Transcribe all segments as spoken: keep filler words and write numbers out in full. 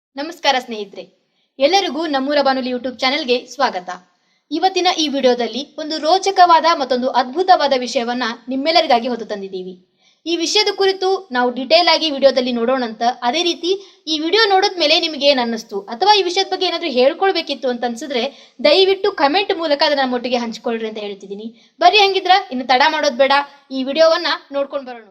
ನಮಸ್ಕಾರ ಸ್ನೇಹಿತರೆ, ಎಲ್ಲರಿಗೂ ನಮ್ಮೂರ ಬಾನುಲಿ ಯೂಟ್ಯೂಬ್ ಚಾನೆಲ್ಗೆ ಸ್ವಾಗತ. ಇವತ್ತಿನ ಈ ವಿಡಿಯೋದಲ್ಲಿ ಒಂದು ರೋಚಕವಾದ ಮತ್ತೊಂದು ಅದ್ಭುತವಾದ ವಿಷಯವನ್ನ ನಿಮ್ಮೆಲ್ಲರಿಗಾಗಿ ಹೊತ್ತು ತಂದಿದ್ದೀವಿ. ಈ ವಿಷಯದ ಕುರಿತು ನಾವು ಡಿಟೇಲ್ ಆಗಿ ವಿಡಿಯೋದಲ್ಲಿ ನೋಡೋಣಂತ. ಅದೇ ರೀತಿ ಈ ವಿಡಿಯೋ ನೋಡಿದ್ಮೇಲೆ ನಿಮಗೆ ಏನ್ ಅನ್ನಿಸ್ತು ಅಥವಾ ಈ ವಿಷಯದ ಬಗ್ಗೆ ಏನಾದ್ರೂ ಹೇಳ್ಕೊಳ್ಬೇಕಿತ್ತು ಅಂತ ಅನ್ಸಿದ್ರೆ ದಯವಿಟ್ಟು ಕಮೆಂಟ್ ಮೂಲಕ ಅದನ್ನ ನಮ್ಮೊಟ್ಟಿಗೆ ಹಂಚ್ಕೊಳ್ರಿ ಅಂತ ಹೇಳ್ತಿದ್ದೀನಿ. ಬರ್ರಿ, ಹಂಗಿದ್ರ ಇನ್ನು ತಡ ಮಾಡೋದ್ ಬೇಡ, ಈ ವಿಡಿಯೋವನ್ನ ನೋಡ್ಕೊಂಡು ಬರೋಣ.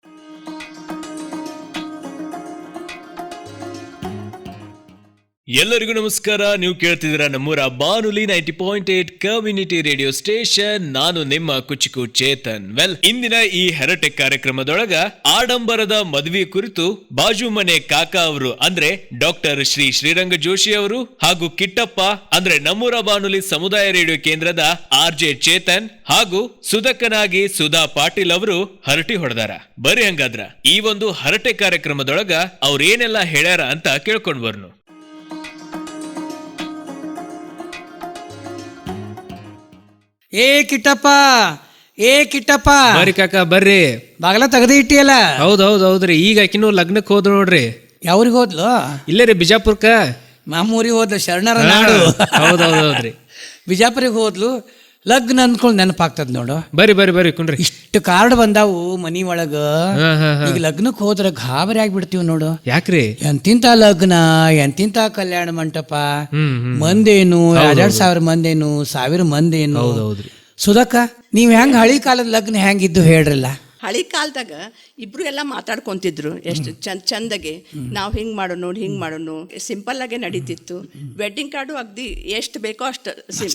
ಎಲ್ಲರಿಗೂ ನಮಸ್ಕಾರ. ನೀವು ಕೇಳ್ತಿದ್ದೀರ ನಮ್ಮೂರ ಬಾನುಲಿ ninety point eight community radio station. ನಾನು ನಿಮ್ಮ ಕುಚಿಕು ಚೇತನ್. ವೆಲ್, ಇಂದಿನ ಈ ಹರಟೆ ಕಾರ್ಯಕ್ರಮದೊಳಗ ಆಡಂಬರದ ಮದುವೆ ಕುರಿತು ಬಾಜು ಮನೆ ಕಾಕಾ ಅವರು ಅಂದ್ರೆ ಡಾಕ್ಟರ್ ಶ್ರೀ ಶ್ರೀರಂಗ ಜೋಶಿ ಅವರು ಹಾಗೂ ಕಿಟ್ಟಪ್ಪ ಅಂದ್ರೆ ನಮ್ಮೂರ ಬಾನುಲಿ ಸಮುದಾಯ ರೇಡಿಯೋ ಕೇಂದ್ರದ ಆರ್ ಜೆ ಚೇತನ್ ಹಾಗೂ ಸುಧಕ್ಕನಾಗಿ ಸುಧಾ ಪಾಟೀಲ್ ಅವರು ಹರಟಿ ಹೊಡೆದಾರ. ಬರೀ ಹಂಗಾದ್ರ ಈ ಒಂದು ಹರಟೆ ಕಾರ್ಯಕ್ರಮದೊಳಗ ಅವ್ರ ಏನೆಲ್ಲ ಹೇಳ್ಯಾರ ಅಂತ ಕೇಳ್ಕೊಂಡ್ ಬರ್ನು. ಏ ಕಿಟ್ಟಪ್ಪ, ಏ ಕಿಟ್ಟಪ್ಪ, ಬರ್ರಿ ಕಾಕ ಬರ್ರಿ. ಬಾಗಲ ತೆಗೆದು ಇಟ್ಟಿಯಲ್ಲ. ಹೌದ್ ಹೌದ್ ಹೌದ್ರಿ. ಈಗ ಆಕಿನೂ ಲಗ್ನಕ್ಕೆ ಹೋದ್ರು ನೋಡ್ರಿ. ಯಾವ್ರಿಗೆ ಹೋದ್ಲು? ಇಲ್ಲೇ ರೀ ಬಿಜಾಪುರ್ಕ. ಮಾಮೂರಿಗೆ ಹೋದ್ಲು, ಶರಣರ ನಾಡು. ಹೌದ್ ಹೌದ್ ಹೌದ್ರಿ. ಬಿಜಾಪುರಿಗೆ ಹೋದ್ಲು. ಲಗ್ನ ಅಂದ್ಕೊಂಡು ನೆನಪಾಗ್ತದ ನೋಡು. ಬರ್ರಿ ಬರ್ರಿ ಬರ್ರಿ ಕುಂಡ್ರಿ. ಇಷ್ಟು ಕಾರ್ಡ್ ಬಂದಾವು ಮನಿ ಒಳಗ. ಹಾ, ಹಾ, ಹಾ. ಈಗ ಲಗ್ನಕ್ಕೆ ಹೋದ್ರ ಗಾಬರಿ ಆಗ್ಬಿಡ್ತೀವಿ ನೋಡು. ಯಾಕ್ರಿ? ಎಂತಿಂತ ಲಗ್ನ, ಎಂತಿಂತ ಕಲ್ಯಾಣ ಮಂಟಪ, ಹ್ಮ್ ಹ್ಮ್ ಮಂದೇನು ಎರಡ್ ಸಾವಿರ ಮಂದೇನು, ಸಾವಿರ ಮಂದೇನು. ಹೌದ್ ಹೌದ್ರಿ. ಸುಧಕ್ಕ, ನೀವ್ ಹೆಂಗ್ ಹಳಿ ಕಾಲದ ಲಗ್ನ ಹೆಂಗಿದ್ದು ಹೇಳ್ರಲ್ಲ. ಹಳಿ ಕಾಲದಾಗ ಇಬ್ರು ಎಲ್ಲ ಮಾತಾಡ್ಕೊಂತಿದ್ರು ಎಷ್ಟು ಚಂದ ಚಂದಗೆ. ನಾವು ಹಿಂಗ್ ಮಾಡೋನು ಹಿಂಗ್ ಮಾಡೋನು ಸಿಂಪಲ್ ಆಗೇ ನಡೀತಿತ್ತು. ವೆಡ್ಡಿಂಗ್ ಕಾರ್ಡು ಅಗ್ದಿ ಎಷ್ಟು ಬೇಕೋ ಅಷ್ಟು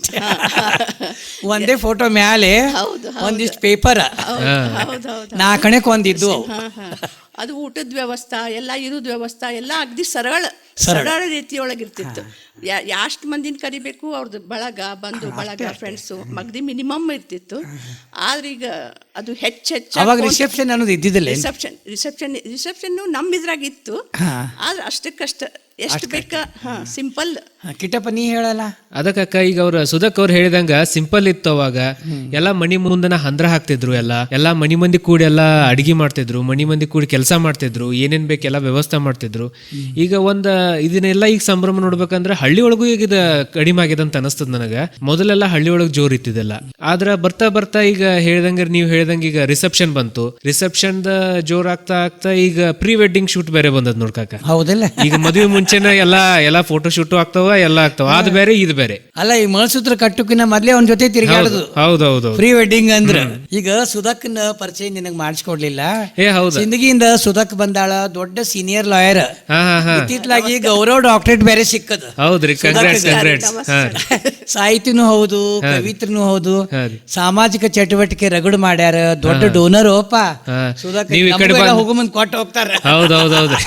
ಒಂದೇ ಫೋಟೋ ಮ್ಯಾಲೆ ಒಂದಿಷ್ಟು ಪೇಪರ್ ನಾಲ್ಕಣಕ್ ಒಂದಿದ್ದು. ಅದು ಊಟದ ವ್ಯವಸ್ಥೆ ಎಲ್ಲ, ಇರೋದ್ ವ್ಯವಸ್ಥೆ ಎಲ್ಲ ಅಗ್ದಿ ಸರಳ ಸರಳ ರೀತಿಯೊಳಗಿರ್ತಿತ್ತು. ಎಷ್ಟು ಮಂದಿನ ಕರಿಬೇಕು, ಅವ್ರದ್ದು ಬಳಗ, ಬಂಧು ಬಳಗ, ಫ್ರೆಂಡ್ಸು ಮಗ್ದಿ ಮಿನಿಮಮ್ ಇರ್ತಿತ್ತು. ಆದ್ರೆ ಈಗ ಅದು ಹೆಚ್ಚು ಹೆಚ್ಚು ಅವಾಗ ರಿಸೆಪ್ಷನ್ ಅನ್ನೋದು ಇದ್ದಿದ್ದಿಲ್ಲ. ರಿಸೆಪ್ಷನ್ ರಿಸೆಪ್ಷನ್ ರಿಸೆಪ್ಷನ್ ನಮ್ಮ ಇದ್ರಾಗ ಇತ್ತು. ಆದ್ರೆ ಅಷ್ಟಕ್ಕಷ್ಟ ಎಷ್ಟು ಬೇಕ ಸಿಂಪಲ್. ಕಿಟ್ಟಪ್ಪ, ನೀ ಹೇಳಲ್ಲ. ಅದಕ್ಕ ಈಗ ಅವ್ರ ಸುಧಕ್ ಅವ್ರು ಹೇಳಿದಂಗ ಸಿಂಪಲ್ ಇತ್ತು. ಅವಾಗ ಎಲ್ಲಾ ಮನಿ ಮುಂದನ ಹಂದ್ರ ಹಾಕ್ತಿದ್ರು. ಎಲ್ಲ ಎಲ್ಲಾ ಮನಿ ಮಂದಿ ಕೂಡಿ ಎಲ್ಲಾ ಅಡಿಗೆ ಮಾಡ್ತಿದ್ರು, ಮನಿ ಮಂದಿ ಕೂಡಿ ಕೆಲಸ ಮಾಡ್ತಿದ್ರು, ಏನೇನ್ ಬೇಕೆಲ್ಲ ವ್ಯವಸ್ಥೆ ಮಾಡ್ತಿದ್ರು. ಈಗ ಒಂದ ಇದನ್ನೆಲ್ಲ ಈಗ ಸಂಭ್ರಮ ನೋಡ್ಬೇಕಂದ್ರೆ ಹಳ್ಳಿ ಒಳಗೂ ಈಗ ಇದು ಕಡಿಮೆ ಆಗಿದೆ ಅಂತ ಅನಿಸ್ತದ ನನಗ. ಮೊದಲೆಲ್ಲ ಹಳ್ಳಿ ಒಳಗ್ ಜೋರ್ ಇತ್ತಿದೆಲ್ಲ. ಆದ್ರ ಬರ್ತಾ ಬರ್ತಾ ಈಗ ಹೇಳ್ದಂಗ ನೀವ್ ಹೇಳ್ದಂಗ ಈಗ ರಿಸೆಪ್ಷನ್ ಬಂತು. ರಿಸೆಪ್ಷನ್ ದ ಜೋರ್ ಆಗ್ತಾ ಆಗ್ತಾ ಈಗ ಪ್ರೀ ವೆಡ್ಡಿಂಗ್ ಶೂಟ್ ಬೇರೆ ಬಂದದ್ ನೋಡ್ಕಾಕ. ಹೌದಲ್ಲ, ಈಗ ಮದುವೆ ಮುಂಚೆನ ಎಲ್ಲಾ ಎಲ್ಲಾ ಫೋಟೋ ಶೂಟ್ ಆಗ್ತಾವ, ಎಲ್ಲ ಆಗ್ತಾವ. ಅದ್ ಬೇರೆ ಇದು ಬೇರೆ ಅಲ್ಲ. ಈ ಮಳಸೂತ್ರ ಕಟ್ಟುಕಿನ ಮೊದ್ಲೇ ಒಂದ್ ಜೊತೆ ತಿರುಗಾಡುದು. ಹೌದೌದು. ಪ್ರೀ ವೆಡ್ಡಿಂಗ್ ಅಂದ್ರ ಈಗ ಸುಧಕ್ನ ಪರಿಚಯ ನಿನಗ್ ಮಾಡಿಸ್ಕೊಡ್ಲಿಲ್ಲ. ಏ ಹೌದು. ಸಿಂದಗಿಯಿಂದ ಸುಧಕ್ ಬಂದಾಳ, ದೊಡ್ಡ ಸೀನಿಯರ್ ಲಾಯರ್. ಹಾ ಹಾ ಹಾ. ಇತ್ತಿತ್ಲಾಗಿ ಗೌರವ ಡಾಕ್ಟರೇಟ್ ಬೇರೆ ಸಿಕ್ಕದ. ಹೌದ್ರಿ, ಕಂಗ್ರಾಟ್ಸ್ ಕಂಗ್ರಾಟ್ಸ್. ಸಾಹಿತಿನೂ ಹೌದು, ಕವಿತ್ರನೂ ಹೌದು, ಹಾ ರೀ. ಸಾಮಾಜಿಕ ಚಟುವಟಿಕೆ ರಗಡು ಮಾಡ್ಯಾರ. ದೊಡ್ಡ ಡೋನರ್ ಓಪ ಹಾ. ಸುಧಕ್. ನೀವ್ ಈ ಕಡೆ ಬಂದ್- ಹೋಗೋ ಮುಂದ್ ಕೊಟ್ಟು ಹೋಗ್ತಾರ. ಹೌದೌದೌದ್ರಿ.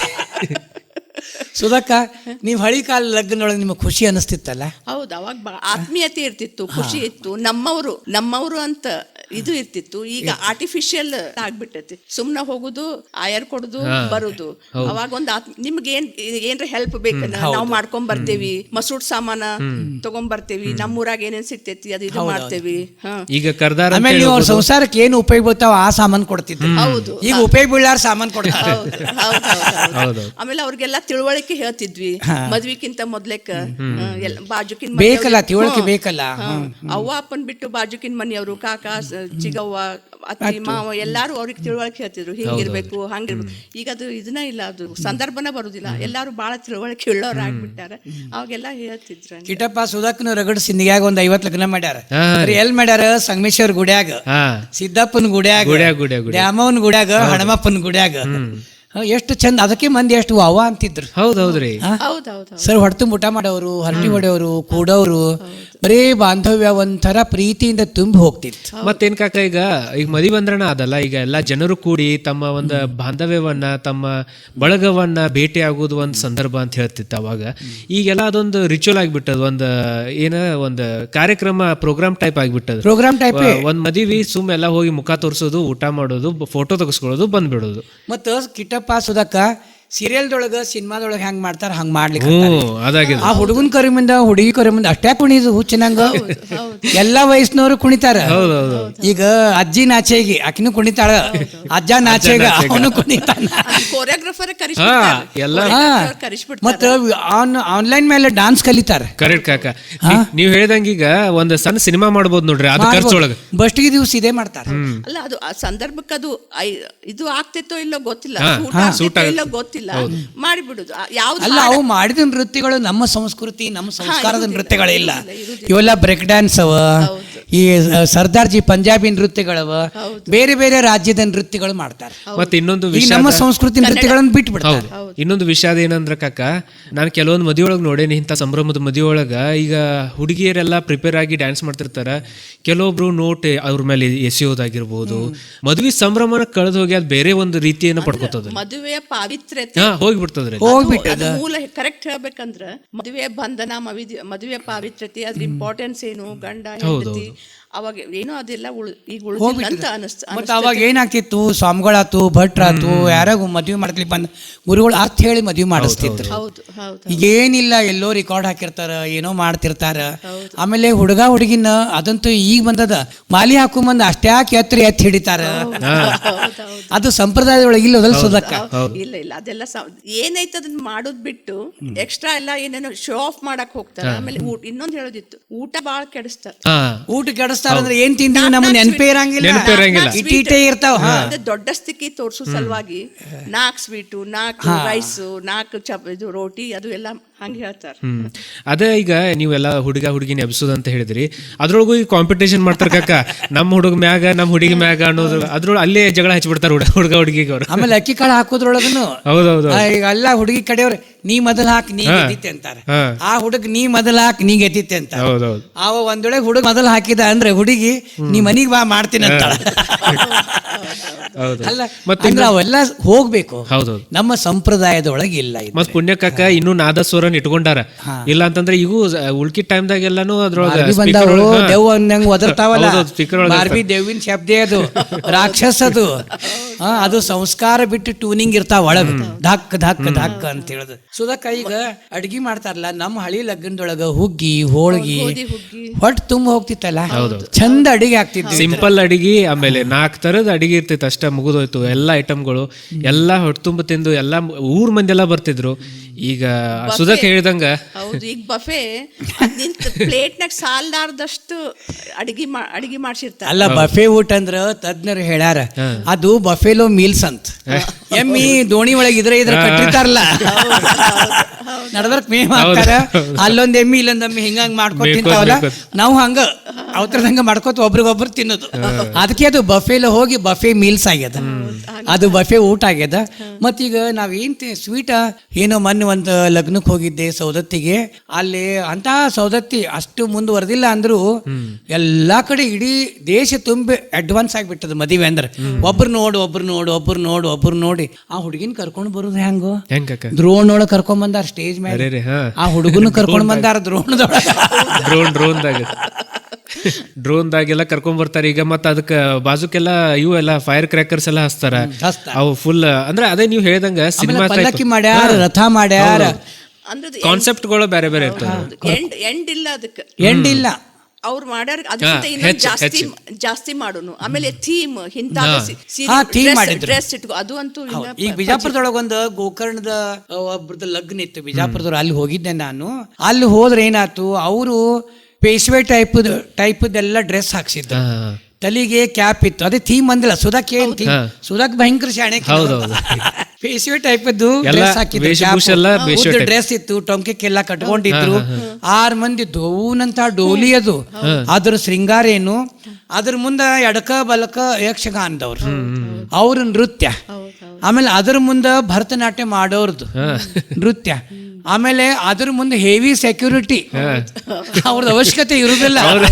ಸುಧಕ್ಕ, ನೀವ್ ಹಳಿ ಕಾಲ ಲಗ್ನೊಳಗೆ ನಿಮಗೆ ಖುಷಿ ಅನಿಸ್ತಿತ್ತಲ್ಲ? ಹೌದು, ಅವಾಗ ಬಾ ಆತ್ಮೀಯತೆ ಇರ್ತಿತ್ತು, ಖುಷಿ ಇತ್ತು. ನಮ್ಮವರು ನಮ್ಮವರು ಅಂತ ಇದು ಇರ್ತಿತ್ತು. ಈಗ ಆರ್ಟಿಫಿಷಿಯಲ್ ಆಗ್ಬಿಟ್ಟೈತಿ. ಸುಮ್ನ ಹೋಗುದು, ಆಯರ್ ಕೊಡುದು, ಬರುದು. ಅವಾಗ ಒಂದ್ ಆತ್ಮ, ನಿಮ್ಗೆ ಏನ್ ಏನ್ರ ಹೆಲ್ಪ್ ಬೇಕನ್ನ ನಾವ್ ಮಾಡ್ಕೊಂಡ್ ಬರ್ತೇವಿ. ಮಸೂಡ್ ಸಾಮಾನ ತಗೊಂಡ್ ಬರ್ತೇವಿ. ನಮ್ಮೂರಾಗ ಏನೇನ್ ಸಿಗ್ತೈತಿ ಅದು ಇದು ಮಾಡ್ತೇವಿ. ಹ ಈಗ ಕರ್ದಾರ ಆಮೇಲೆ ನೀವು ಅವ್ರ ಸಂಸಾರಕ್ಕೆ ಏನು ಉಪಯೋಗ ಬರ್ತಾವ ಆ ಸಾಮಾನ್ ಕೊಡ್ತಿದ್ರು. ಹೌದು, ಈಗ ಉಪಯೋಗ ಬೀಳಾರ ಸಾಮಾನ್ ಕೊಡ್ತಾರೆ. ಹೌದು. ಆಮೇಲೆ ಅವ್ರಿಗೆಲ್ಲ ತಿಳುವಳಿಕೆ ಹೇಳ್ತಿದ್ವಿ. ಮದ್ವಿಕ್ಕಿಂತ ಮೊದ್ಲೇಕ ಬಾಜುಕಿನ್ ಬೇಕಲ್ಲ, ತಿಳುವಳಿಕೆ ಬೇಕಲ್ಲ. ಅವ್ವ ಅಪ್ಪನ್ ಬಿಟ್ಟು ಬಾಜುಕಿನ್ ಮನೆಯವರು, ಕಾಕ, ಚಿಗವ್ವ, ಅತ್ತಿ, ಮಾವ ಎಲ್ಲಾರು ಅವ್ರಿಗೆ ತಿಳುವಳಿಕೆ ಹೇಳ್ತಿದ್ರು. ಹಿಂಗಿರ್ಬೇಕು, ಹಂಗಿರ್ಬೇಕು. ಈಗ ಅದು ಇದನ್ನ ಇಲ್ಲ, ಅದು ಸಂದರ್ಭನ ಬರುದಿಲ್ಲ. ಎಲ್ಲಾರು ಬಾಳ ತಿಳುವಳಿಕೆ ಉಳ್ಳವ್ರ ಆಗ್ಬಿಟ್ಟಾರ. ಅವಾಗೆಲ್ಲ ಹೇಳ್ತಿದ್ರು. ಕಿಟ್ಟಪ್ಪ, ಸುಧಾಕ್ನ ರಗಡ್ ಸಿಂಧಿಯಾಗ ಒಂದ್ ಐವತ್ ಲಗ್ನ ಮಾಡ್ಯಾರ. ಹಾ. ಎಲ್ ಮಾಡ್ಯಾರ? ಸಂಗಮೇಶ್ವರ ಗುಡ್ಯಾಗ, ಹಾ, ಸಿದ್ದಪ್ಪನ ಗುಡ್ಯಾಗ, ಗುಡ್ಯಾಗ ಗುಡ್ಯಾಗ ಗುಡ್ಯಾಗ. ದ್ಯಾಮವ್ವನ ಗುಡ್ಯಾಗ, ಹಣಮಪ್ಪನ ಗುಡ್ಯಾಗ. ಎಷ್ಟು ಚಂದ. ಅದಕ್ಕೆ ಮಂದಿ ಎಷ್ಟು ಅವ್ವ ಅಂತಿದ್ರು. ಹೌದೌದ್ರಿ. ಹೌದೌದು. ಸರ್ ಹೊಡ್ತು ಊಟ ಮಾಡೋರು, ಹರಟಿ ಹೊಡೆಯೋರು, ಕೂಡೋರು, ಬರೀ ಬಾಂಧವ್ಯ ಒಂಥರ ಪ್ರೀತಿಯಿಂದ ತುಂಬಿ ಹೋಗ್ತಿತ್ತು. ಮತ್ತೇನ್ ಕಾಕ, ಈಗ ಈಗ ಮದಿ ಬಂದ್ರಣ ಅದಲ್ಲ, ಈಗ ಎಲ್ಲಾ ಜನರು ಕೂಡಿ ತಮ್ಮ ಒಂದು ಬಾಂಧವ್ಯವನ್ನ, ತಮ್ಮ ಬಳಗವನ್ನ ಭೇಟಿ ಆಗೋದು ಒಂದ್ ಸಂದರ್ಭ ಅಂತ ಹೇಳ್ತಿತ್ತು ಅವಾಗ. ಈಗೆಲ್ಲ ಅದೊಂದು ರಿಚುವಲ್ ಆಗ್ಬಿಟ್ಟದ, ಒಂದ್ ಏನ ಒಂದ್ ಕಾರ್ಯಕ್ರಮ, ಪ್ರೋಗ್ರಾಮ್ ಟೈಪ್ ಆಗ್ಬಿಟ್ಟದ. Programme type. ಒಂದ್ ಮದಿವಿ ಸುಮ್ ಎಲ್ಲ ಹೋಗಿ ಮುಖ ತೋರಿಸೋದು, ಊಟ ಮಾಡೋದು, ಫೋಟೋ ತೆಗೆಸ್ಕೊಳ್ಳೋದು, ಬಂದ್ಬಿಡೋದು. ಮತ್ತು ಕಿಟ್ಟಪ್ಪ, ಸುಧಕ್ಕ, ಸೀರಿಯಲ್ದೊಳಗ ಸಿನಿಮಾದೊಳಗ ಹೆಂಗ್ ಮಾಡ್ತಾರ ಹಂಗ್ ಮಾಡ್ಲಿಕ್ಕೆ ಹ್ಞೂ ಅದಾಗಿದೆ. ಆ ಹುಡುಗನ್ ಕರಿ ಮುಂದ ಹುಡುಗಿ ಕರಿ ಮುಂದ ಅಷ್ಟೇ ಕುಣಿದು ಹುಚ್ಚಿನಂಗ ಎಲ್ಲಾ ವಯಸ್ಸಿನವರು ಕುಣಿತಾರ. ಈಗ ಅಜ್ಜಿ ನಾಚೆಗೆ ಆಕಿನೂ ಕುಣಿತಾಳ, ಅಜ್ಜ ನಾಚೆಗ ಅವನು ಕುಣಿತಾನ. ಕೋರಿಯೋಗ್ರಾಫರ್ ಹಾ ಎಲ್ಲ ಕರಿಸ್ಬಿಡ್ತಾರೆ. ಮತ್ತ ಆನ್ಲೈನ್ ಮೇಲೆ ಡಾನ್ಸ್ ಕಲಿತಾರ. ಕರೆಕ್ಟ್ ಕಾಕ. ನೀ- ನೀವ್ ಹೇಳ್ದಂಗ ಈಗ ಒಂದ್ ಸಣ್ಣ ಸಿನಿಮಾ ಮಾಡ್ಬೋದು ನೋಡ್ರಿ, ಅದು ಖರ್ಚೊಳಗ ಬಸ್ಟಿಗೆ ದಿವಸ ಇದೇ ಮಾಡ್ತಾರ. ಅಲ್ಲ ಅದು ಆ ಸಂದರ್ಭಕ್ಕೆ ಅದು ಐ- ಇದು ಆಗ್ತಿತ್ತೋ ಇಲ್ಲೋ ಗೊತ್ತಿಲ್ಲ, ಹಾ, ಸೂಟ್ ಹಾ, ಆಗ್ತಿತ್ತೋ ಸೂಟ್ ಆಗುತ್ತೆ. ಇಲ್ಲೋ ಗೊತ್ತಿಲ್ಲ, ಮಾಡಿಬಿಡುದು. ಯಾವ್ದು ಅಲ್ಲ ಅವು ಮಾಡಿದ ನೃತ್ಯಗಳು ನಮ್ಮ ಸಂಸ್ಕೃತಿ ನಮ್ಮ ಸಂಸ್ಕಾರದ ನೃತ್ಯಗಳಿಲ್ಲ. ಇವೆಲ್ಲ ಬ್ರೇಕ್ ಡ್ಯಾನ್ಸ್ ಅವ, ಈ ಸರ್ದಾರ್ಜಿ ಪಂಜಾಬಿ ನೃತ್ಯಗಳವ, ಬೇರೆ ಬೇರೆ ರಾಜ್ಯದ ನೃತ್ಯಗಳು ಮಾಡ್ತಾರೆ. ಮತ್ತೆ ಇನ್ನೊಂದು ಈ ವಿಷಯ ನಮ್ಮ ಸಂಸ್ಕೃತಿ ನೃತ್ಯಗಳನ್ನು ಬಿಟ್ಟು ಬಿಡ್ತಾರೆ. ಇನ್ನೊಂದು ವಿಷಯ ಅದೇನಂದ್ರ ಕಾಕ, ನಾನು ಕೆಲವೊಂದು ಮದುವೆ ಒಳಗೆ ನೋಡೇನಿ, ಇಂಥ ಸಂಭ್ರಮದ ಮದುವೆ ಒಳಗ ಈಗ ಹುಡುಗಿಯರೆಲ್ಲ ಪ್ರಿಪೇರ್ ಆಗಿ ಡ್ಯಾನ್ಸ್ ಮಾಡ್ತಿರ್ತಾರ. ಕೆಲವೊಬ್ರು ನೋಟ್ ಅವ್ರ ಮೇಲೆ ಎಸೆಯೋದಾಗಿರ್ಬೋದು, ಮದುವೆ ಸಂಭ್ರಮನ ಕಳೆದು ಹೋಗಿ ಅದು ಬೇರೆ ಒಂದು ರೀತಿಯನ್ನ ಪಡ್ಕೋತದ, ಮದುವೆಯ ಪಾವಿತ್ರ್ಯತೆ ಹಾ ಹೋಗ್ಬಿಡ್ತದ್ರಿ. ಹೋಗ್ಬಿಟ್ಟದ. ಅದು ಮೂಲ ಕರೆಕ್ಟ್ ಹೇಳ್ಬೇಕಂದ್ರ ಮದುವೆ ಬಂಧನ, ಮವಿದ್- ಮದುವೆ ಪಾವಿತ್ರ್ಯತೆ, ಅದ್ರ ಇಂಪಾರ್ಟೆನ್ಸ್ ಏನು, ಗಂಡ ಹೆಂಡತಿ ಅವಾಗ ಏನೋ ಅದೆಲ್ಲ ಉಳ್ ಈಗ ಉಳಿದಿಲ್ಲ ಅಂತ ಅನಿಸ್ತ. ಮತ್ತೆ ಅವಾಗ ಏನಾಗ್ತಿತ್ತು, ಸ್ವಾಮಿಗಳಾತು ಭಟ್ರಾತು ಯಾರಾಗ ಮದ್ವೆ ಮಾಡ್ಲಿ ಬಂದ ಗುರುಗಳು ಅರ್ಥ ಹೇಳಿ ಮದ್ವೆ ಮಾಡಿಸ್ತಿದ್ರು. ಹೌದು ಹೌದು ಈಗೇನಿಲ್ಲ, ಎಲ್ಲೋ ರೆಕಾರ್ಡ್ ಹಾಕಿರ್ತಾರ, ಏನೋ ಮಾಡ್ತಿರ್ತಾರ. ಆಮೇಲೆ ಹುಡುಗ ಹುಡುಗಿನ ಅದಂತೂ ಈಗ ಬಂದದ, ಮಾಲಿ ಹಾಕೊಂಬಂದ್ ಅಷ್ಟ್ಯಾಕೆ ಎತ್ತರ ಎತ್ತಿ ಹಿಡಿತಾರ. ಅದು ಸಂಪ್ರದಾಯದೊಳಗೆ ಇಲ್ಲ ಅದಲ್ಲ ಸುಧಕ್ಕ. ಇಲ್ಲ ಇಲ್ಲ ಅದೆಲ್ಲ ಸ- ಏನೈತೆ ಅದನ್ನ ಮಾಡೋದ್ ಬಿಟ್ಟು ಎಕ್ಸ್ಟ್ರಾ ಎಲ್ಲ ಏನೇನೋ ಶೋ ಆಫ್ ಮಾಡಕ್ ಹೋಗ್ತಾರ. ಆಮೇಲೆ ಊಟ ಇನ್ನೊಂದ್ ಹೇಳೋದಿತ್ತು, ಊಟ ಬಾಳ ಕೆಡಿಸ್ತಾರ. ಹಾ ಊಟ ಕೆಡಿಸ್ತಾರ ಅಂದ್ರೆ ಏನ್ ತಿಂತೀವಿ ನಮ್ಮ ನೆನಪೇ ಇರಂಗಿಲ್ಲ, ನೆನಪಿರಂಗಿಲ್ಲ. ಇಟೀಟೇ ಇರ್ತಾವ. ಅದು ದೊಡ್ಡ ಸ್ಥಿತಿ ತೋರ್ಸೋ ಸಲುವಾಗಿ ನಾಲ್ಕು ಸ್ವೀಟು, ನಾಲ್ಕು ರೈಸು, ನಾಲ್ಕು ಚಪ್ ಇದು ರೋಟಿ, ಅದು ಎಲ್ಲ ಹಂಗೆ ಹೇಳ್ತಾರ. ಹ್ಮ್ ಅದೇ ಈಗ ನೀವೆಲ್ಲ ಹುಡುಗ ಹುಡುಗಿನ ಎಬ್ಸೋದು ಅಂತ ಹೇಳಿದ್ರಿ, ಅದ್ರೊಳಗೂ ಈಗ ಕಾಂಪಿಟೇಷನ್ ಮಾಡ್ತಾರ ಕಾಕ, ನಮ್ಮ ಹುಡುಗ ಮ್ಯಾಗ ನಮ್ಮ ಹುಡುಗಿ ಮ್ಯಾಗ ಅನ್ನೋದು, ಅದ್ರೊಳಗೆ ಅಲ್ಲೇ ಜಗಳ ಹಚ್ಚಿಬಿಡ್ತಾರ ಹುಡುಗ ಹುಡುಗ ಹುಡುಗಿಗೆ ಅವ್ರು. ಆಮೇಲೆ ಅಕ್ಕಿ ಕಾಳು ಹಾಕೋದ್ರೊಳಗನು ಹೌದೌದು. ಈಗ ಎಲ್ಲ ಹುಡುಗಿ ಕಡೆಯವ್ರು ನೀ ಮೊದಲ್ ಹಾಕಿ ನೀ ಗೆದ್ದಿತ್ತೆ ಅಂತಾರ, ಹಾ. ಆ ಹುಡುಗ ನೀ ಮೊದಲ್ ಹಾಕಿ ನೀ ಗೆದ್ದಿತ್ತೆ ಅಂತ. ಹೌದೌದು. ಅವ ಒಂದೊಳಗೆ ಹುಡುಗ ಮೊದಲ್ ಹಾಕಿದ ಅಂದ್ರೆ ಹುಡುಗಿ ನೀ ಮನಿಗ್ ಬಾ ಮಾಡ್ತೀನಿ ಅಂತಾಳ. ಹೌದು. ಅಲ್ಲ ಮತ್ತೆ ಅಂದ್ರೆ ಅವೆಲ್ಲ ಹೋಗ್ಬೇಕು, ಹೌದೌದು. ನಮ್ಮ ಸಂಪ್ರದಾಯದೊಳಗೆ ಇಲ್ಲ ಇದು. ಮತ್ ಪುಣ್ಯಕಾಕ ಇನ್ನೂ ನಾದಸ್ವರನ್ ಇಟ್ಕೊಂಡಾರ. ಇಲ್ಲ ಅಂತಂದ್ರೆ ಈಗ ಉಳ್ಕಿ ಟೈಮ್ದಾಗ ಎಲ್ಲಾನು ಅದ್ರೊಳಗ ಬಾರ್ಬಿ ಬಂದಾವು, ದೆವ್ವ ಅಂದಂಗ ಒದರ್ತಾವಲ್ಲ, ಹೌದೌದು, speaker ಒಳಗೆ ಬಾರ್ಬಿ ದೇವಿನ ಶಬ್ದ ಅದು, ರಾಕ್ಷಸ ಅದು. ಹಾ, ಅದು ಸಂಸ್ಕಾರ ಬಿಟ್ಟು ಟ್ಯೂನಿಂಗ್ ಇರ್ತಾವ ಒಳಗ, ಧಕ್ ಧಕ್ ಧಕ್ ಅಂತ ಹೇಳುದು. ಸುಧಕ್ಕ ಈಗ ಅಡ್ಗಿ ಮಾಡ್ತಾರಲ್ಲ, ನಮ್ಮ ಹಳಿ ಲಗ್ನದೊಳಗ ಹುಗ್ಗಿ ಹೋಳ್ಗಿ ಹೊಟ್ಟು ತುಂಬ ಹೋಗ್ತಿತ್ತಲ್ಲ, ಚಂದ ಅಡಿಗೆ ಆಗ್ತಿದ್ವಿ. ಸಿಂಪಲ್ ಅಡಿಗೆ, ಆಮೇಲೆ ನಾಲ್ಕು ತರದ ಅಡಿಗೆ ಇರ್ತಿತ್ತು ಅಷ್ಟ, ಮುಗಿದೋಯ್ತು ಎಲ್ಲ ಐಟಮ್ಗಳು, ಎಲ್ಲ ಹೊಟ್ಟೆ ತುಂಬ ತಿಂದು ಎಲ್ಲ ಊರ್ ಮಂದಿ ಎಲ್ಲ ಬರ್ತಿದ್ರು. ಈಗ ಸುಧಕ್ ಹೇಳ್ದಂಗ ಹೌದು, ಈಗ ಬಫೆ ನಿಂತ ಪ್ಲೇಟ್ನಾಗ ಸಾಲ್ದಾರ್ದಷ್ಟು ಅಡಿಗೆ ಮಾ ಅಡಿಗೆ ಮಾಡ್ಸಿರ್ತಾರ. ಅಲ್ಲ, ಬಫೆ ಊಟ ಅಂದ್ರ ತಜ್ಞರು ಹೇಳ್ಯಾರ, ಅದು ಬಫೆಲೋ ಮೀಲ್ಸ್ ಅಂತ. ಎಮ್ಮಿ ದೋಣಿ ಒಳಗೆ ಇದ್ರ ಇದ್ರ ಕಟ್ಟಿರ್ತಾರಲ್ಲ, ನಡಬರ್ಕ್ ಮೇವ್ ಹಾಕ್ತಾರ, ಅಲ್ಲೊಂದ್ ಎಮ್ಮಿ ಇಲ್ಲೊಂದ್ ಎಮ್ಮಿ ಹಿಂಗಂಗ್ ಮಾಡ್ಕೊತ ತಿಂತಾವಲ್ಲ, ನಾವು ಹಂಗ ಅವತ್ರದಂಗ ಮಾಡ್ಕೋತ ಒಬ್ರಿಗೊಬ್ರು ತಿನ್ನೋದು. ಅದಕ್ಕೆ ಅದು ಬಫೆಲೋ ಹೋಗಿ ಬಫೆ ಮೀಲ್ಸ್ ಆಗ್ಯದ, ಅದು ಬಫೆ ಊಟ ಆಗ್ಯದ. ಮತ್ತೀಗ ನಾವೇನ್ ಸ್ವೀಟ ಏನೋ ಮೊನ್ನೆ ಒಂದು ಲಗ್ನಕ್ಕೆ ಹೋಗಿದ್ದೆ ಸೌದತ್ತಿಗೆ, ಅಲ್ಲಿ ಅಂತ ಸೌದತ್ತಿ ಅಷ್ಟು ಮುಂದುವರೆದಿಲ್ಲ ಅಂದ್ರು ಎಲ್ಲಾ ಕಡೆ ಇಡೀ ದೇಶ ತುಂಬಿ ಅಡ್ವಾನ್ಸ್ ಆಗ್ಬಿಟ್ಟದ ಮದುವೆ ಅಂದ್ರೆ. ಒಬ್ರು ನೋಡು ಒಬ್ರು ನೋಡು ಒಬ್ರು ನೋಡು ಒಬ್ರು ನೋಡಿ ಆ ಹುಡುಗಿನ ಕರ್ಕೊಂಡು ಬರುದು ಹೆಂಗೋ, ಹೆಂಗ ದ್ರೋಣ್ ಒಳಗ್ ಕರ್ಕೊಂಡ್ ಬಂದಾರ ಸ್ಟೇಜ್ ಮೇಲೆ, ಆ ಹುಡುಗನ ಕರ್ಕೊಂಡ್ ಬಂದಾರ ದ್ರೋಣದೊಳಗ, ಡ್ರೋನ್ ಡ್ರೋನ್ದಾಗ ಡ್ರೋನ್ದಾಗೆಲ್ಲ ಕರ್ಕೊಂಡ್ ಬರ್ತಾರೆ. ಈಗ ಮತ್ತ ಅದಕ್ಕ ಬಾಜುಕೆಲ್ಲ ಇವು ಎಲ್ಲ ಫೈರ್ ಕ್ರ್ಯಾಕರ್ಸ್ ಎಲ್ಲ ಹಚ್ತಾರ, ಅವು ಫುಲ್ ಅಂದ್ರೆ ಅದೇ ನೀವು ಹೇಳ್ದಂಗ ಸಿನಿಮಾ ಪಲ್ಲಕ್ಕಿ ಮಾಡ್ಯಾರ, ರಥ ಮಾಡ್ಯಾರ, ಅಂದ್ರೆ ಕಾನ್ಸೆಪ್ಟ್ಗಳು ಬೇರೆ ಬೇರೆ ಇರ್ತವೆ. ಎಂಡ್ ಎಂಡ್ ಇಲ್ಲ ಅದಕ್ಕೆ, ಎಂಡ್ ಇಲ್ಲ. ಅವ್ರು ಮಾಡ್ಯಾರ ಅದಕ್ಕಿಂತ ಇನ್ನೊಂದು ಜಾಸ್ತಿ ಜಾಸ್ತಿ ಮಾಡೋನು. ಆಮೇಲೆ ಥೀಮ್ ಇಂತ ಡ್ರೆಸ್ ಇಟ್ಕೋ, ಅದು ಅಂತೂ ಈಗ ಬಿಜಾಪುರದೊಳಗ ಒಂದು ಗೋಕರ್ಣದ ಒಬ್ರದ್ದು ಲಗ್ನ ಇತ್ತು ಬಿಜಾಪುರದವ್ರು, ಅಲ್ಲಿ ಹೋಗಿದ್ದೆ ನಾನು. ಅಲ್ಲಿ ಹೋದ್ರೆ ಏನಾಯ್ತು, ಅವರು ಪೇಶ್ವೆ ಟೈಪ್ ಟೈಪ್ದೆಲ್ಲ ಡ್ರೆಸ್ ಹಾಕ್ಸಿದ್ರು, ತಲೆಗೆ ಕ್ಯಾಪ್ ಇತ್ತು, ಅದೇ ಥೀಮ್ ಅಂದಿಲ್ಲ. ಸುಧಾಕ್ ಏನ್ ಥೀಮ್, ಸುಧಾಕ್ ಭಯಂಕರ ಶಾಣೆ, ಪೇಶ್ವೆ ಟೈಪ್ ಡ್ರೆಸ್ ಹಾಕಿದ್ರು, ಡ್ರೆಸ್ ಇತ್ತು, ಟೊಂಕೆಲ್ಲ ಕಟ್ಕೊಂಡಿದ್ರು, ಆರ್ ಮಂದಿ ದೋನಂತ ಡೋಲಿ ಅದು, ಅದ್ರ ಶೃಂಗಾರ ಏನು, ಅದ್ರ ಮುಂದ ಎಡಕ ಬಲಕ ಯಕ್ಷಗಾನದವ್ರು ಅವ್ರ ನೃತ್ಯ, ಆಮೇಲೆ ಅದ್ರ ಮುಂದ ಭರತನಾಟ್ಯ ಮಾಡೋರ್ದು ನೃತ್ಯ, ಆಮೇಲೆ ಅದ್ರ ಮುಂದೆ ಹೆವಿ ಸೆಕ್ಯೂರಿಟಿ, ಅವ್ರದ್ದು ಅವಶ್ಯಕತೆ ಇರುದಿಲ್ಲ.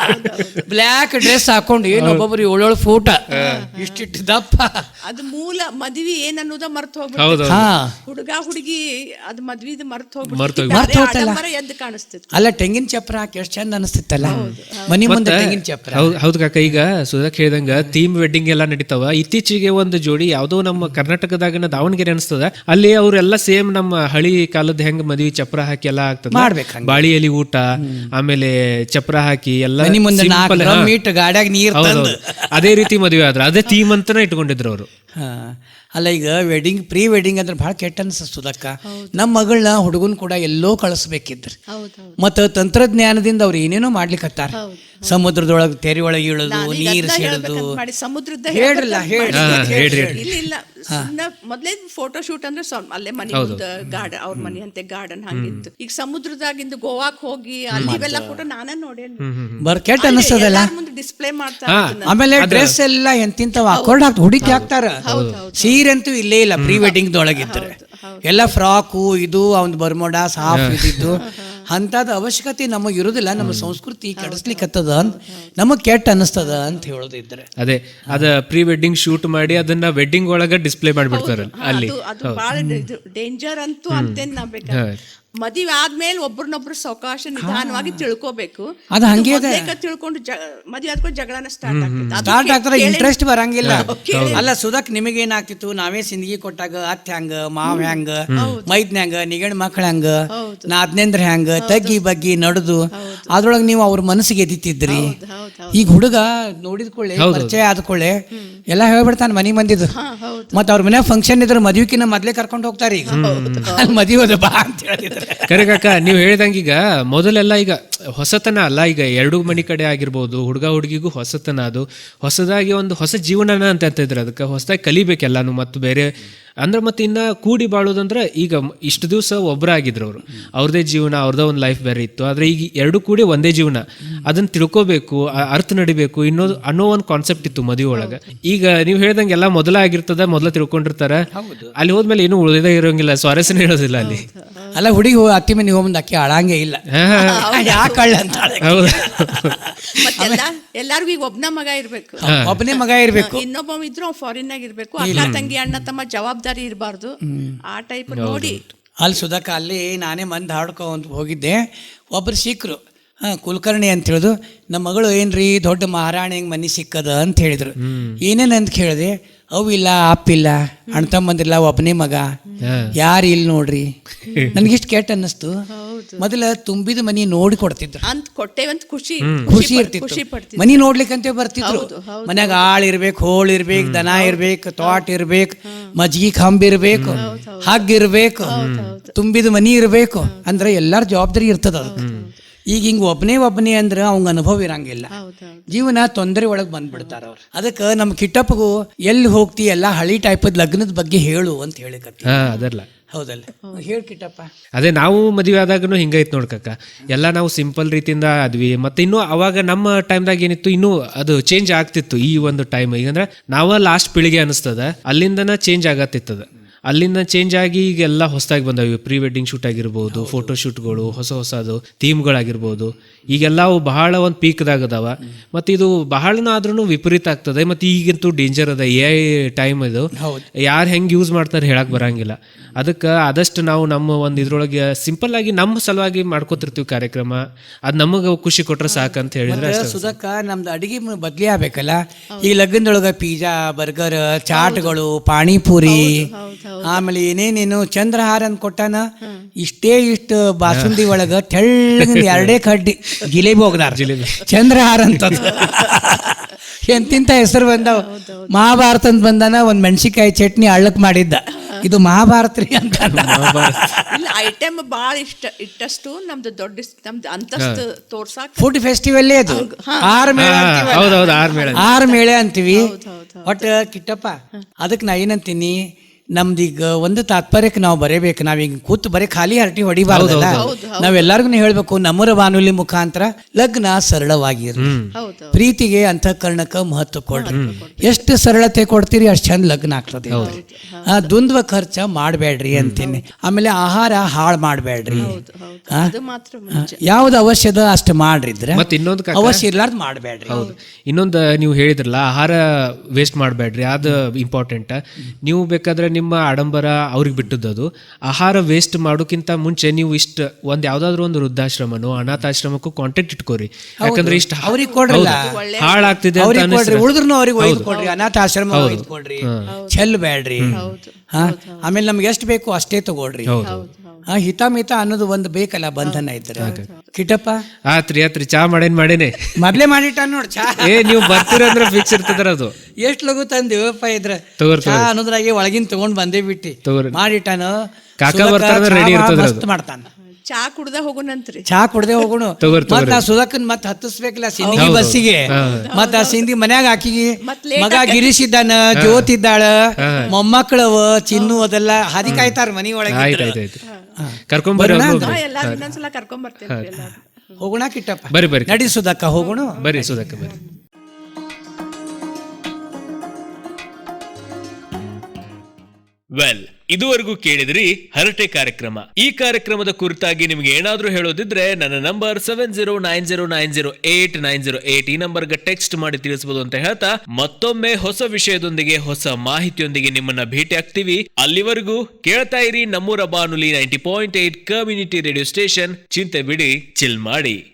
ಬ್ಲ್ಯಾಕ್ ಡ್ರೆಸ್ ಹಾಕೊಂಡು ಏನು ಒಬ್ಬೊಬ್ರು ಏಳೇಳು ಫೂಟ ಇಷ್ಟಿಟ್ಟು ದಪ್ಪ. ಅದು ಮೂಲ ಮದ್ವಿ ಏನ್ ಅನ್ನೋದ ಮರ್ತು ಹೌದು ಹೋಗ್ಬಿಟ್ಟು ಹಾ ಹುಡುಗ ಹುಡುಗಿ ಅದ್ ಮದ್ವಿದ್ ಮರ್ತು ಮರ್ತ್ ಮರ್ತ್ ಹೋಗ್ತಲ್ಲ. ಹೋಗ್ಬಿಟ್ಟು ಎದ್ದು ಕಾಣಿಸ್ತಿತ್ತು. ಅಲ್ಲ ತೆಂಗಿನ ಚಪ್ರ ಹಾಕಿ ಎಷ್ಟು ಚಂದ ಅನಿಸ್ತಿತ್ತಲ್ಲ ಮನಿ ಮುಂದೆ ತೆಂಗಿನ ಚಪ್ರ. ಹೌದು ಹೌದು ಕಾಕ. ಈಗ ಸುಧಾಕ್ ಹೇಳ್ದಂಗ ಥೀಮ್ ವೆಡ್ಡಿಂಗ್ ಎಲ್ಲ ನಡೀತಾವ. ಇತ್ತೀಚೆಗೆ ಒಂದು ಜೋಡಿ ಯಾವ್ದೋ ನಮ್ಮ ಕರ್ನಾಟಕದಾಗಿನ ದಾವಣಗೆರೆ ಅನಿಸ್ತದ, ಅಲ್ಲಿ ಅವ್ರೆಲ್ಲ ಸೇಮ್ ನಮ್ಮ ಹಳಿ ಕಾಲದ ಹೆಂಗ್ ಮದ್ವಿ ಚಪ್ರ ಹಾಕಿ ಎಲ್ಲ ಆಗ್ತದ, ಮಾಡ್ಬೇಕು ಹಂಗೆ. ಬಾಳಿ ಎಲಿ ಊಟ, ಆಮೇಲೆ ಚಪ್ರ ಹಾಕಿ ಎಲ್ಲ ಮನಿ ಮುಂದೆ ನಾಲ್ಕು simple, ಡ್ರಮ್ ಹಾ. ಇಟ್ಟು ಗಾಡ್ಯಾಗ ನೀರ್ ಹೌದು, ತಂದು. ಹೌದು. ಅದೇ ರೀತಿ ಮದುವೆ ಆದ್ರ ಅದೇ ಥೀಮ್ ಅಂತಾನೆ ಇಟ್ಕೊಂಡಿದ್ರು ಅವರು. ಹಾ ಅಲ್ಲ ಈಗ ವೆಡ್ಡಿಂಗ್ ಪ್ರೀ ವೆಡ್ಡಿಂಗ್ ಅಂದ್ರೆ ಭಾಳ ಕೆಟ್ಟ ಅನ್ಸುದಕ್ಕ. ನಮ್ಮ ಮಗಳನ್ನ ಹುಡುಗನ್ ಕೂಡ ಎಲ್ಲೋ ಕಳಿಸ್ಬೇಕಿದ್ರು, ಮತ್ತು ತಂತ್ರಜ್ಞಾನದಿಂದ ಅವ್ರು ಏನೇನೋ ಮಾಡ್ಲಿಕ್ಕತ್ತಾರ. ಸಮುದ್ರದೊಳಗೆ ತೆರೆ ಒಳಗೆ ಇಳೋದು, ನೀರು ಸೆಳೆದು. ಮಾಡಿ ಸಮುದ್ರದ ಹೇಳ್ರಲ್ಲ ಹೇಳ್ರಿ ಹೇಳ್ರಿ ಇಲ್ಲ ಇಲ್ಲ ಸುಮ್ನೆ ಮೊದ್ಲೇ ಫೋಟೋ ಶೂಟ್ ಅಂದ್ರೆ ಸ್ವಲ್ಪ ಅಲ್ಲೇ ಮನೆ ಮುಂದೆ ಗಾರ್ಡನ್, ಅವ್ರ ಮನೆ ಅಂತೆ ಗಾರ್ಡನ್ ಹಂಗಿತ್ತು. ಈಗ ಸಮುದ್ರದಾಗಿಂದ ಗೋವಾಕ್ ಹೋಗಿ ಅಲ್ಲಿ ಇವೆಲ್ಲ ಫೋಟೋ ನಾನೇ ನೋಡೇನಿ. ಬರ್ ಕೆಟ್ಟ ಅನಿಸ್ತದಲ್ಲ. ಮುಂದೆ ಡಿಸ್ಪ್ಲೇ ಮಾಡ್ತಾ ಆಮೇಲೆ ಡ್ರೆಸ್ ಎಲ್ಲ ಎಂತಿಂತವ ಹಾಕೊಂಡು ಹಾಕ್ತ ಹುಡುಕಿ ಹಾಕ್ತಾರ. ಸೀರೆ ಅಂತೂ ಇಲ್ಲೇ ಇಲ್ಲ ಪ್ರೀ ವೆಡ್ಡಿಂಗ್ ದೊಳಗಿದ್ರೆ. ಎಲ್ಲ ಫ್ರಾಕು ಇದು ಅವ್ನ್ ಬರ್ಮೋಡಾ ಸಾಫ್ ಇದ್ದಿದ್ದು ಅಂಥದ್ದು ಅವಶ್ಯಕತೆ ನಮಗೆ ಇರೋದಿಲ್ಲ. ನಮ್ಮ ಸಂಸ್ಕೃತಿ ಕೆಡಿಸ್ಲಿಕ್ಕತ್ತದ, ನಮಗ್ ಕೆಟ್ಟ ಅನಿಸ್ತದ ಅಂತ ಹೇಳೋದಿದ್ರೆ ಅದೇ ಅದ ಪ್ರೀ ವೆಡ್ಡಿಂಗ್ ಶೂಟ್ ಮಾಡಿ ಅದನ್ನ ವೆಡ್ಡಿಂಗ್ ಒಳಗ ಡಿಸ್ಪ್ಲೇ ಮಾಡ್ಬಿಡ್ತಾರ ಅಲ್ಲಿ. ಅದು ಬಹಳ ಡೇಂಜರ್ ಅಂತೂ ಅಂತೇನ್ ನಾ ಬೇಕಾದ್ರೆ ಮದುವೆ ಆದ್ಮೇಲೆ ಒಬ್ರನ್ನೊಬ್ರು ಸಾವಕಾಶ ನಿಧಾನವಾಗಿ ತಿಳ್ಕೋಬೇಕು. ಅದು ಹಂಗೆ ಮೊದ್ಲೇ ತಿಳ್ಕೊಂಡು ಮದುವೆ ಆದ್ಕೊಂಡು ಜಗಳನ ಸ್ಟಾರ್ಟ್ ಆಗ್ತದೆ. ಸ್ಟಾರ್ಟ್ ಆಗ್ತಾರ, ಇಂಟ್ರೆಸ್ಟ್ ಬರಂಗಿಲ್ಲ. ಅಲ್ಲ ಸುಧಾಕ್ ನಿಮಗೇನಾಗ್ತಿತ್ತು, ನಾವೇ ಸಿಂದಗಿ ಕೊಟ್ಟಾಗ ಅತ್ತೆ ಹ್ಯಾಂಗ, ಮಾವ್ ಹ್ಯಾಂಗ, ಮೈದ್ನ ಹ್ಯಾಂಗ, ನಿಗಣ್ ಮಕ್ಳ ಹ್ಯಾಂಗ, ನಾದ್ನೇಂದ್ರ ಹ್ಯಾಂಗ ತಗ್ಗಿ ಬಗ್ಗಿ ನಡೆದು ಅದ್ರೊಳಗೆ ನೀವು ಅವ್ರ ಮನಸ್ಸಿಗೆ ಎದಿತಿದ್ರಿ. ಈಗ ಹುಡುಗ ನೋಡಿದ್ಕೊಳ್ಳೆ ಪರಿಚಯ ಆದ್ಕೊಳ್ಳೆ ಎಲ್ಲ ಹೇಳ್ಬಿಡ್ತಾನೆ ಮನಿ ಮಂದಿದು. ಮತ್ತ ಅವ್ರ ಮನೆ ಫಂಕ್ಷನ್ ಇದ್ರೆ ಮದ್ವಿಕಿನ ಮೊದ್ಲೇ ಕರ್ಕೊಂಡು ಹೋಗ್ತಾರೆ. ಈಗ ಅಲ್ಲಿ ಮದುವೆ ಬಾ ಅಂತ ಹೇಳಿದ್ರೆ ಕರೆ ಕಾಕ, ನೀವು ಹೇಳ್ದಂಗ ಈಗ ಮೊದಲೆಲ್ಲ ಈಗ ಹೊಸತನ ಅಲ್ಲ, ಈಗ ಎರಡು ಮನಿ ಕಡೆ ಆಗಿರ್ಬೋದು, ಹುಡುಗ ಹುಡುಗಿಗೂ ಹೊಸತನ, ಅದು ಹೊಸದಾಗಿ ಒಂದು ಹೊಸ ಜೀವನನ ಅಂತ ಇದ್ರು. ಅದಕ್ಕೆ ಹೊಸದಾಗಿ ಕಲಿಬೇಕೆಲ್ಲಾನು. ಮತ್ತು ಬೇರೆ ಅಂದ್ರೆ ಮತ್ತೆ ಇನ್ನ ಕೂಡಿ ಬಾಳೋದಂದ್ರೆ ಈಗ ಇಷ್ಟು ದಿವಸ ಒಬ್ಬರಾಗಿದ್ರು ಅವರು, ಅವ್ರದೇ ಜೀವನ, ಅವ್ರದೇ ಒಂದು ಲೈಫ್ ಬೇರೆ ಇತ್ತು. ಆದ್ರೆ ಈಗ ಎರಡು ಕೂಡಿ ಒಂದೇ ಜೀವನ, ಅದನ್ನ ತಿಳ್ಕೋಬೇಕು, ಅರ್ಥ ನಡಿಬೇಕು ಇನ್ನೋದು ಅನ್ನೋ ಒಂದು ಕಾನ್ಸೆಪ್ಟ್ ಇತ್ತು ಮದುವೆ ಒಳಗೆ. ಈಗ ನೀವು ಹೇಳ್ದಂಗೆ ಎಲ್ಲ ಮೊದಲ ಆಗಿರ್ತದ, ಮೊದಲ ತಿಳ್ಕೊಂಡಿರ್ತಾರ. ಅಲ್ಲಿ ಹೋದ್ಮೇಲೆ ಏನು ಉಳಿದೇ ಇರೋಂಗಿಲ್ಲ, ಸ್ವಾರಸ್ಯನೇ ಇರೋದಿಲ್ಲ ಅಲ್ಲಿ. ಅಲ್ಲ ಹುಡುಗಿ ಅತ್ತಿ ಮನೆ ಹೋಗ್ಬಂದು ಅಕ್ಕಿ ಅಳಂಗೆ ಇಲ್ಲ, ಯಾಕಳ್ಳ ಅಂತ. ಮತ್ತೆಲ್ಲ ಎಲ್ಲಾರ್ಗು ಈಗ ಒಬ್ನ ಮಗ ಇರ್ಬೇಕು, ಒಬ್ಬನೇ ಮಗ ಇರ್ಬೇಕು, ಇನ್ನೊಬ್ಬ ಇದ್ರು ಫಾರಿನ್ ಆಗಿ ಇರ್ಬೇಕು, ಅಕ್ಕ ತಂಗಿ ಅಣ್ಣ ತಮ್ಮ ಜವಾಬ್ದಾರಿ ಇರಬಾರ್ದು. ಆ ಟೈಪ್ ನೋಡಿ ಅಲ್ಲಿ ಸುಧಾಕ ಅಲ್ಲಿ ನಾನೇ ಮಂದಿ ಹಾಡ್ಕೊಂತ ಹೋಗಿದ್ದೆ. ಒಬ್ರು ಸಿಕ್ಕರು, ಹಾಂ ಕುಲಕರ್ಣಿ ಅಂತ ಹೇಳಿದ್ರು. ನಮ್ಮ ಮಗಳು ಏನ್ರಿ ದೊಡ್ಡ ಮಹಾರಾಣಿ ಹೆಂಗೆ ಮನೆ ಸಿಕ್ಕದ ಅಂತ ಹೇಳಿದ್ರು. ಏನೇನು ಅಂತ ಕೇಳಿದೆ. ಅವಿಲ್ಲ ಅಪ್ಪಿಲ್ಲ, ಅಣ್ಣ ತಮ್ಮಂದಿಲ್ಲ, ಒಬ್ಬನೇ ಮಗ, ಯಾರು ಇಲ್ಲಿ ನೋಡ್ರಿ. ನನ್ಗಿಷ್ಟು ಕೆಟ್ಟ ಅನ್ನಿಸ್ತು. ಮೊದಲ ತುಂಬಿದ ಮನಿ ನೋಡಿ ಕೊಡ್ತಿದ್ರು ಅಂತ ಕೊಟ್ಟೇವಂತ ಖುಷಿ ಖುಷಿ ಇರ್ತಿತ್ತು. ಮನಿ ನೋಡ್ಲಿಕ್ಕಂತ ಬರ್ತಿದ್ರು. ಮನ್ಯಾಗ ಆಳ್ ಇರ್ಬೇಕು, ಹೋಳ್ ಇರ್ಬೇಕು, ದನ ಇರ್ಬೇಕು, ತೋಟ ಇರ್ಬೇಕು, ಮಜ್ಗಿ ಕಂಬ ಇರ್ಬೇಕು, ಹಗ್ಗ ಇರ್ಬೇಕು, ತುಂಬಿದ ಮನಿ ಇರ್ಬೇಕು. ಅಂದ್ರೆ ಎಲ್ಲಾರ ಜವಾಬ್ದಾರಿ ಇರ್ತದ ಅದಕ್ಕೆ. ಈಗ ಹಿಂಗೆ ಒಬ್ಬನೇ ಒಬ್ಬನೇ ಅಂದ್ರೆ ಅವಂಗ ಅನುಭವ ಇರಂಗಿಲ್ಲ, ಜೀವನ ತೊಂದರೆ ಒಳಗೆ ಬಂದ್ಬಿಡ್ತಾರ ಅವ್ರು. ಅದಕ್ಕೆ ನಮ್ಮ ಕಿಟ್ಟಪ್ಪಗೂ ಎಲ್ಲಿ ಹೋಗ್ತಿ ಎಲ್ಲ ಹಳಿ ಟೈಪದ ಲಗ್ನದ ಬಗ್ಗೆ ಹೇಳು ಅಂತ ಹೇಳಿಕತ್ತಿ. ಅದಲ್ಲ ಹೌದಲ್ಲ, ಹೇಳಿ ಕಿಟ್ಟಪ್ಪ. ಅದೇ ನಾವು ಮದುವೆ ಆದಾಗನು ಹಿಂಗೈತ್ ನೋಡ್ಕಕ್ಕ. ಎಲ್ಲ ನಾವು ಸಿಂಪಲ್ ರೀತಿಯಿಂದ ಆದ್ವಿ. ಮತ್ತೆ ಇನ್ನು ಅವಾಗ ನಮ್ಮ ಟೈಮ್ದಾಗ ಏನಿತ್ತು, ಇನ್ನೂ ಅದು ಚೇಂಜ್ ಆಗ್ತಿತ್ತು. ಈ ಒಂದು ಟೈಮ್ ಈಗಂದ್ರೆ ನಾವ ಲಾಸ್ಟ್ ಪೀಳಿಗೆ ಅನಿಸ್ತದ, ಅಲ್ಲಿಂದನ ಚೇಂಜ್ ಆಗತ್ತಿತ್ತದ. ಅಲ್ಲಿಂದ ಚೇಂಜ್ ಆಗಿ ಈಗೆಲ್ಲ ಹೊಸದಾಗಿ ಬಂದವು. ಪ್ರೀ ವೆಡ್ಡಿಂಗ್ ಶೂಟ್ ಆಗಿರ್ಬೋದು, ಫೋಟೋ ಶೂಟ್ಗಳು, ಹೊಸ ಹೊಸದು ಥೀಮ್ಗಳಾಗಿರ್ಬೋದು. ಈಗೆಲ್ಲ ಅವು ಬಹಳ ಒಂದು ಪೀಕ್ದಾಗ ಅದಾವ. ಮತ್ತು ಇದು ಬಹಳನ ಆದ್ರೂ ವಿಪರೀತ ಆಗ್ತದೆ. ಮತ್ತು ಈಗಂತೂ ಡೇಂಜರ್ ಅದ, ಎ ಐ ಟೈಮ್ ಇದು. ಯಾರು ಹೆಂಗೆ ಯೂಸ್ ಮಾಡ್ತಾರೆ ಹೇಳಕ್ ಬರಂಗಿಲ್ಲ. ಅದಕ್ಕೆ ಆದಷ್ಟು ನಾವು ನಮ್ಮ ಒಂದು ಇದ್ರೊಳಗೆ ಸಿಂಪಲ್ ಆಗಿ ನಮ್ಮ ಸಲುವಾಗಿ ಮಾಡ್ಕೋತಿರ್ತೀವಿ ಕಾರ್ಯಕ್ರಮ. ಅದು ನಮಗೆ ಖುಷಿ ಕೊಟ್ರೆ ಸಾಕಂತ ಹೇಳಿದ್ರೆ ಸುಧಾಕ ನಮ್ದು ಅಡಿಗೆ ಬದ್ಲಿ ಆಗ್ಬೇಕಲ್ಲ. ಈ ಲಗ್ನದೊಳಗೆ ಪಿಜ್ಜಾ, ಬರ್ಗರ್, ಚಾಟ್ಗಳು, ಪಾಣಿಪುರಿ, ಆಮೇಲೆ ಏನೇನೇನು ಚಂದ್ರಹಾರ ಅಂತ ಕೊಟ್ಟಾನ. ಇಷ್ಟೇ ಇಷ್ಟು ಬಾಸುಂದಿ ಒಳಗ ತೆಳ್ಳಗ ಎರಡೇ ಕಡ್ಡಿ ಜಿಲೇಬಿ ಹೋಗ್ದಾರ. ಚಂದ್ರಹಾರ ಅಂತ ಎಂತಿಂತ ಹೆಸರು ಬಂದಾವ. ಮಹಾಭಾರತ ಅಂತ ಬಂದಾನ, ಒಂದ್ ಮೆಣಸಿಕಾಯಿ ಚಟ್ನಿ ಹಳ್ಳಕ್ ಮಾಡಿದ್ದ. ಇದು ಮಹಾಭಾರತ ರೀ ಅಂತ. ಇಲ್ಲ ಐಟಮ್ ಬಾಳ ಇಷ್ಟ ಇಟ್ಟಷ್ಟು ನಮ್ದು ದೊಡ್ಡ ನಮ್ದು ಅಂತಸ್ತು ತೋರ್ಸಾಕ ಫುಡ್ ಫೆಸ್ಟಿವಲ್ ಅದು. ಆರು ಮೇಳೆ ಆರು ಮೇಳೆ ಅಂತೀವಿ. ಒಟ್ಟು ಕಿಟ್ಟಪ್ಪ ಅದಕ್ಕೆ ನಾ ಏನಂತೀನಿ, ನಮ್ದೀಗ ಒಂದು ತಾತ್ಪರ್ಯಕ್ಕೆ ನಾವು ಬರೀಬೇಕು. ನಾವೀಗ ಕೂತು ಬರೀ ಖಾಲಿ ಹರಟಿ ಹೊಡಿಬಾರ್ದಲ್ಲ. ನಾವೆಲ್ಲರಿಗೂ ಹೇಳ್ಬೇಕು, ನಮ್ಮೂರ ಬಾನುಲಿ ಮುಖಾಂತರ ಲಗ್ನ ಸರಳವಾಗಿರ್ಲಿ, ಹೌದು ಪ್ರೀತಿಗೆ ಅಂತಃಕರಣಕ್ಕೆ ಮಹತ್ವ ಕೊಡ್ರಿ. ಎಷ್ಟು ಸರಳತೆ ಕೊಡ್ತೀರಿ ಅಷ್ಟು ಚಂದ ಲಗ್ನ ಆಗ್ತದೆ. ಆ ದ್ವಂದ್ವ ಖರ್ಚ ಮಾಡಬೇಡ್ರಿ ಅಂತೀನಿ. ಆಮೇಲೆ ಆಹಾರ ಹಾಳು ಮಾಡಬೇಡ್ರಿ. ಅದು ಮಾತ್ರ ಮುಂಚೆ. ಯಾವ್ದು ಅವಶ್ಯದ ಅಷ್ಟು ಮಾಡ್ರಿದ್ರೆ, ಮತ್ತೆ ಇನ್ನೊಂದು ಕಾಕ, ಅವಶ್ಯ ಇರ್ಲಾರ್ದು ಮಾಡಬೇಡ್ರಿ. ಹೌದು, ಇನ್ನೊಂದು ನೀವು ಹೇಳಿದ್ರಲ್ಲ ಆಹಾರ ವೇಸ್ಟ್ ಮಾಡಬೇಡ್ರಿ, ಅದು ಇಂಪಾರ್ಟೆಂಟ್. ನೀವು ಬೇಕಾದ್ರೆ ನಿಮ್ಮ ಆಡಂಬರ ಅವ್ರಿಗೆ ಬಿಟ್ಟದ್ದು. ಆಹಾರ ವೇಸ್ಟ್ ಮಾಡೋಕ್ಕಿಂತ ಮುಂಚೆ ನೀವು ಇಷ್ಟ ಒಂದ್ ಯಾವ್ದಾದ್ರು ಒಂದು ವೃದ್ಧಾಶ್ರಮನೋ ಅನಾಥಾಶ್ರಮಕ್ಕೂ ಕಾಂಟ್ಯಾಕ್ಟ್ ಇಟ್ಕೋರಿ. ಯಾಕಂದ್ರೆ ಇಷ್ಟ ಅವ್ರಿಗೆ ಕೊಡ್ರಲ್ಲ, ಹಾಳಾಗ್ತಿದೆ ಅಂತ ಅವ್ರಿಗೆ ಕೊಡ್ರಿ, ಅನಿಸ್ರೆ ಉಳಿದ್ರು ಅವ್ರಿಗೆ ಒಯ್ದು ಕೊಡ್ರಿ, ಅನಾಥಾಶ್ರಮ ಒಯ್ದು ಕೊಡ್ರಿ, ಚೆಲ್ಲಬೇಡ್ರಿ. ಹಾ, ಆಮೇಲೆ ನಮ್ಗೆ ಎಷ್ಟು ಬೇಕು ಅಷ್ಟೇ ತಗೊಳ್ರಿ. ಹಾ, ಹಿತಾಮಿತ ಅನ್ನೋದು ಒಂದು ಬೇಕಲ್ಲ, ಬಂಧನ ಇದ್ರೆ. ಕಿಟಪ್ಪ ಆತ್ರಿ ಆತ್ರಿ ಚಾ ಮಾಡೇನ್ ಮಾಡೇನೆ ಮೊದ್ಲೇ ಮಾಡಿಟ್ಟ ನೋಡ್ ಚಾ. ಏ ನೀವು ಬರ್ತೀರಂದ್ರೆ ಫಿಕ್ಸ್ ಇರ್ತದ್ರ ಅದು. ಎಷ್ಟ್ ಲಗು ತಂದಿವಪ್ಪ ಇದ್ರ ತಗೋರಿ ಚಾ ಅನ್ನೋದ್ರಾಗೆ ಒಳಗಿನ ತಗೊಂಡ್ ಬಂದೇ ಬಿಟ್ಟಿ ತಗೋರಿ. ಮಾಡಿಟ್ಟಾನ. ಕಾಕ ಬರ್ತಾರ ರೆಡಿ ಇರ್ತದ ಅದು. ಮಾಡ್ತಾನ. ಚಾ ಕುಡ್ದ ಹೋಗೋಣಂತ್ರಿ. ಚಾ ಕುಡ್ದೆ ಹೋಗೋಣ. ಮತ್ ನಾ ಸುಧಾಕನ್ ಮತ್ ಹತ್ತಿಸ್ಬೇಕಲ್ಲ ಸಿಂಧಿಗಿ ಬಸ್ಸಿಗೆ. ಮತ್ ಆ ಸಿಂಧಿ ಮನ್ಯಾಗ ಹಾಕಿಗಿ ಮಗ ಗಿರೀಶಿದ್ದಾನ, ಜ್ಯೋತಿದ್ದಾಳ, ಮೊಮ್ಮಕ್ಕಳವ, ಚಿನ್ನು, ಅದೆಲ್ಲ ಹಾದಿ ಕಾಯ್ತಾರ ಮನಿ ಒಳಗೆ. ಆಯ್ತಾಯ್ತಾಯ್ತು, ಕರ್ಕೊಂಬರ್ರಿ. ಎಲ್ಲಾರು ಇನ್ನೊಂದ್ಸಲ ಕರ್ಕೊಂಡ್ ಬರ್ತೇನೆ. ಹೋಗೋಣ ಕಿಟ್ಟಪ್ಪ, ಬರ್ರಿ ಬರ್ರಿ ನಡಿ ಸುಧಾಕ ಹೋಗೋಣ. ಬರ್ರಿ ಸುಧಾಕ ಬರ್ರಿ. ವೆಲ್, ಇದುವರೆಗೂ ಕೇಳಿದ್ರಿ ಹರಟೆ ಕಾರ್ಯಕ್ರಮ. ಈ ಕಾರ್ಯಕ್ರಮದ ಕುರಿತಾಗಿ ನಿಮ್ಗೆ ಏನಾದ್ರೂ ಹೇಳೋದಿದ್ರೆ ನನ್ನ number seven zero nine zero nine zero eight nine zero eight ಈ ನಂಬರ್ಗೆ ಟೆಕ್ಸ್ಟ್ ಮಾಡಿ ತಿಳಿಸಬಹುದು ಅಂತ ಹೇಳ್ತಾ, ಮತ್ತೊಮ್ಮೆ ಹೊಸ ವಿಷಯದೊಂದಿಗೆ ಹೊಸ ಮಾಹಿತಿಯೊಂದಿಗೆ ನಿಮ್ಮನ್ನ ಭೇಟಿ ಆಗ್ತೀವಿ. ಅಲ್ಲಿವರೆಗೂ ಕೇಳ್ತಾ ಇರಿ ನಮ್ಮೂರ ಬಾನುಲಿ ninety point eight community radio station. ಚಿಂತೆ ಬಿಡಿ, ಚಿಲ್ ಮಾಡಿ.